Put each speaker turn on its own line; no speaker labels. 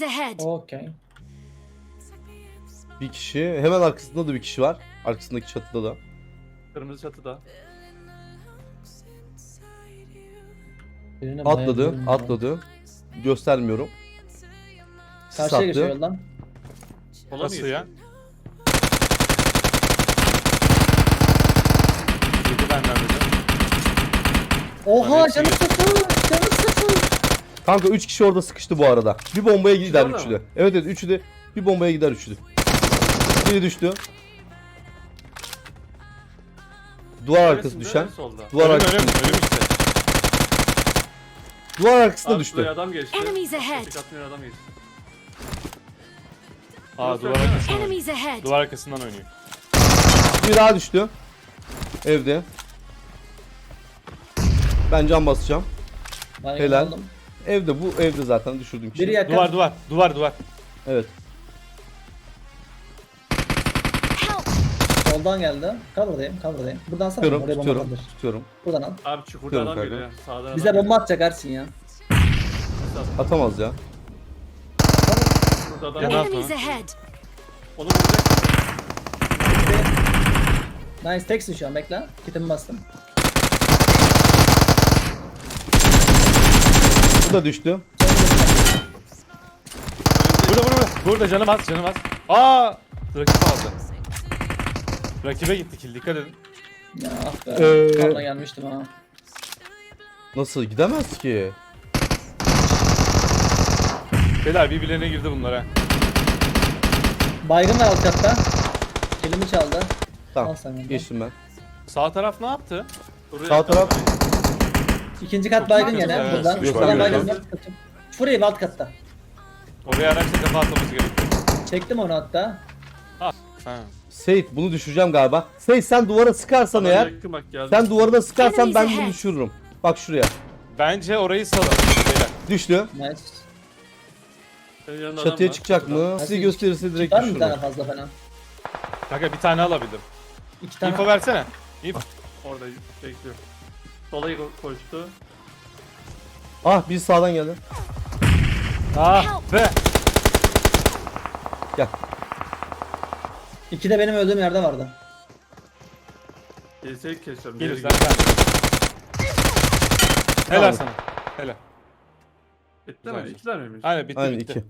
ahead.
Okey.
Bir kişi. Hemen arkasında da bir kişi var. Arkasındaki çatıda da.
Kırmızı çatıda.
Birine
Atladı.
bayıldım ya.
Atladı. Göstermiyorum. Sis
Karşıya
attı.
geçiyor yoldan.
Sola mı
Nasıl
geçiyor?
ya? Yedi benden dedi.
Oha
Bana
canı
hepsi
sıfır. Canı sıfır.
Kanka 3 kişi orada sıkıştı bu arada. Bir bombaya gider
orada
üçü
mı?
de. Evet evet üçü de. Bir bombaya gider üçü de. Biri düştü. Duvar arkası
Neresinde?
düşen.
Solda.
Duvar
Ölüm
arkası.
ölüm ölüm işte.
Duvar arkası da
Abi
düştü.
şuraya adam geçti.
Enemies ahead.
Tek atmayan adam geçti.
Aa duvar
Burası
arkasından oynuyor.
Enemies ahead.
Duvar arkasından oynuyor.
Bir daha düştü. Evde. Ben cam basacağım.
Ben
Helal.
aldım.
Evde bu evde zaten düşürdüğüm kişi.
Biri yakın.
Duvar.
Evet.
Help.
Soldan geldi. Cover'dayım. Buradan sana.
Tutuyorum,
Oraya bomba
tutuyorum,
kaldır.
tutuyorum.
Buradan al.
Abi çukurda
Tutuyorum
adam
kanka.
geliyor. Sağdan adam
Bize
geliyor.
bomba atacak Ersin ya.
Atamaz ya.
Burada adam
Yana
var.
at
Enemies
onu.
ahead.
Onu vuracak.
Nice teksin şu an bekle. Kitimi bastım.
Bu da düştü.
Burada. Burada canım az. Aa! Rakip aldı. Rakibe gitti kill, dikkat edin.
Ya ah be.
Ee,
Sonra gelmiştim ha.
Nasıl gidemez ki?
Beyler birbirlerine girdi bunlar ha.
Baygın var alt katta. Elimi çaldı.
Tamam.
Al sen onu.
Geçtim ben.
Sağ taraf ne yaptı?
Buraya
Sağ taraf.
İkinci kat baygın
güzel,
gene.
evet.
Buradan.
Yok,
Buradan
yok,
baygın
yok.
var. Furayı alt katta.
Oraya araçla kafa atmamız gerekiyor.
Çektim onu hatta.
Ha.
Seyit bunu düşüreceğim galiba. Seyit sen duvara sıkarsan
Adam
eğer.
yakın bak geldi.
Sen duvarına sıkarsan ben
Enemies
bunu
ahead.
düşürürüm. Bak şuraya.
Bence orayı salın. Beyler.
Düştü.
Nice.
Senin yanında adam
Çatıya
var.
çıkacak mı? Sizi gösterirse direkt
Var mı bir tane
düşürürüm.
fazla falan?
Kanka bir tane alabildim.
İki tane.
İnfo versene. İnfo.
Orada bekliyor. Sola koştu.
Ah bir sağdan geldi.
Ah be.
Gel.
İki de benim öldüğüm yerde vardı.
Gelseydik kesiyorum.
Gelir
Geri
sen.
gel.
Helal
Tamam.
sana. Helal.
Bitti mi?
Güzel.
İkiler miymiş?
Aynen bitti
Aynen
bitti.
iki.